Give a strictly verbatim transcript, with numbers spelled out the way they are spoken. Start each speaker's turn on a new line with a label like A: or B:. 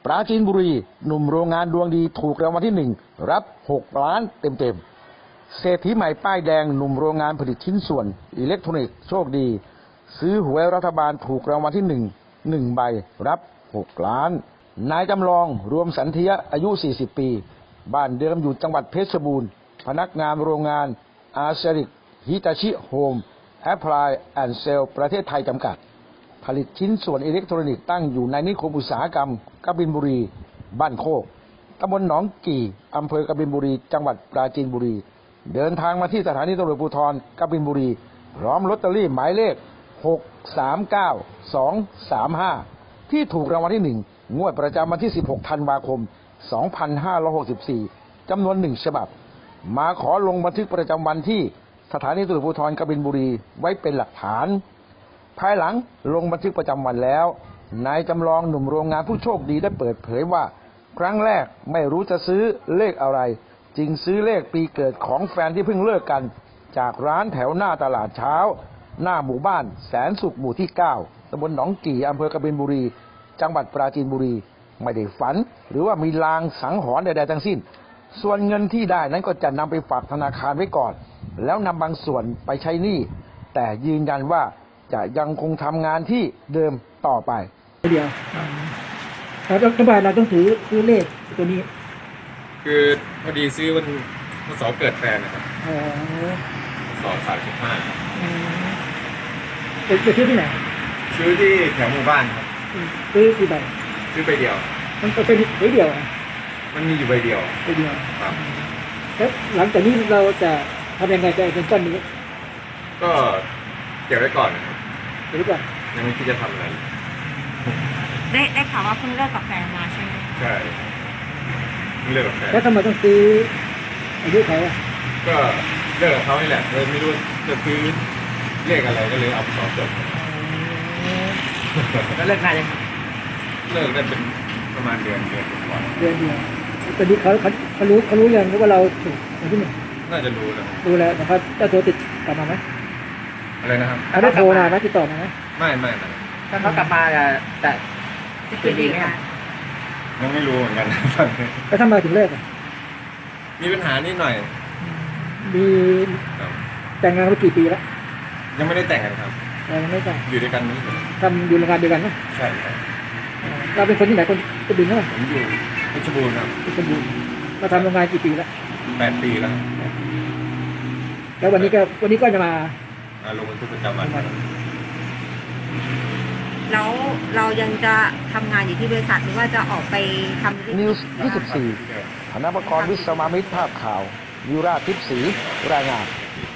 A: ราจีนบุรีหนุ่มโรงงานดวงดีถูกรางวัลที่หนึ่งรับหกล้านเต็มๆเศรษฐีใหม่ป้ายแดงหนุ่มโรงงานผลิตชิ้นส่วนอิเล็กทรอนิกส์โชคดีซื้อหวยรัฐบาลถูกรางวัลที่หนึ่งหนึ่งใบรับหกล้านนายจำลองรวมสันเทียอายุสี่สิบปีบ้านเดิมอยู่จังหวัดเพชรบูรณ์พนักงานโรงงานอาเซริกฮิตาชิโฮมแอพพลายแอนด์เซลประเทศไทยจำกัดผลิตชิ้นส่วนอิเล็กทรอนิกส์ตั้งอยู่ในนิคมอุตสาหกรรมกบินบุรีบ้านโคกตำบลหนองกี่อำเภอกบินบุรีจังหวัดปราจีนบุรีเดินทางมาที่สถานีตำรวจภูธรกบินบุรีพร้อมลอตเตอรี่หมายเลขหก สาม เก้า สอง สาม ห้าที่ถูกรางวัลที่หนึ่งงวดประจำวันที่สิบหกธันวาคมสองพันห้าร้อยหกสิบสี่จำนวนหนึ่งฉบับมาขอลงบันทึกประจำวันที่สถานีตำรวจภูธรกบินบุรีไว้เป็นหลักฐานภายหลังลงบันทึกประจำวันแล้วนายจำลองหนุ่มโรงงานผู้โชคดีได้เปิดเผยว่าครั้งแรกไม่รู้จะซื้อเลขอะไรจึงซื้อเลขปีเกิดของแฟนที่เพิ่งเลิกกันจากร้านแถวหน้าตลาดเช้าหน้าหมู่บ้านแสนสุขหมู่ที่เก้าตำบลหนองกี่อำเภอกบินบุรีจังหวัดปราจีนบุรีไม่ได้ฝันหรือว่ามีลางสังหรณ์ใดๆทั้งสิ้นส่วนเงินที่ได้นั้นก็จะนำไปฝากธนาคารไว้ก่อนแล้วนำบางส่วนไปใช้หนี้แต่ยืนยันว่าจะยังคงทำงานที่เดิมต่อไป
B: เดียวแล้วรัฐบาลเราต้องถือซื้อเลขตัวนี้
C: คือพอดีซื้อวันวันเสาร์เกิดแฟนนะครับ
B: อ๋อ
C: สองสามสิบห้า
B: ไปซื้อที่ไหน
C: ซื้อที่แถวหมู่บ้านครับ
B: ซื้อกี่ใบ
C: ซื้อใบเดียว
B: มันเป็นใบเดียว
C: มันมีอยู่ใบเดียว
B: ใบเดียว
C: ครับ
B: แล้วหลังจากนี้เราจะทำยังไงจะเป็นก้อนนี้
C: ก็เก็บไว้ก่อนนะครับ
B: เก็บไว้ก่อน
C: ยังไม่คิดจะทำอะไร
D: ได้ได้ข่าวว่าเพิ่งเลิกกับแฟนมาใช่ไหม
C: ใช่เพิ่งเลิกกับแฟน
B: แล้วทำไมต้องซื้ออายุเขาอ่ะ
C: ก็เลิกกับเขานี่แหละเลยไม่รู้จะซื้อเลขอะไรก็เลยเอาสอบจบ
B: แล้วเลิกงานยัง
C: เลิกได้เป็นประมาณเดือนเดือนกว่า
B: เดือนเดียวตอนนี้เขาเขาเขารู้เขารู้ยังว่าเราถูกอะไรที่หนึ่ง
C: น่าจะรู้แล้ว
B: รู้แล้วนะครับจะโทรติดกลับมาไหม
C: อะไรนะครับ
B: เขาได้โทรมาไหมติดต่อมาไหม
C: ไม่ไม่ไม่
B: ถ้าเขากลับมาจะจะจะดีไหม
C: ยังไม่รู้เหมือนกัน
B: แล้วทำไมถึงเลิกอ่ะ
C: มีปัญหานิดหน่อย
B: มีแต่งงานมากี่ปีแล้ว
C: ยังไม่ได้แต่งกันครับ
B: ยังไม่แต่ง
C: อยู่ด้วยกันนี่
B: ทำอยู่โรงงานเดียวกันไหม
C: ใช่ครับ
B: เราเป็นคนที่ไหนคนกบินเท่าไหร่
C: ผมอยู่เพชรบูรณ์ครับ
B: เพชรบูรณ์มาทำโรงงานกี่ปีแล้ว
C: แปดปีแล้ว
B: แล้ววันนี้ก็วันนี้ก็จะมา
C: ลงบันทึกประจำวัน
D: แล้วเรายังจะทำงานอยู่ที่บริษัทหรือว่าจะออกไปท
A: ำนิวส์ยี่สิบสี่ธนปกรณ์วิศวามิตรภาพข่าววิราชทิพย์ศรีรายงาน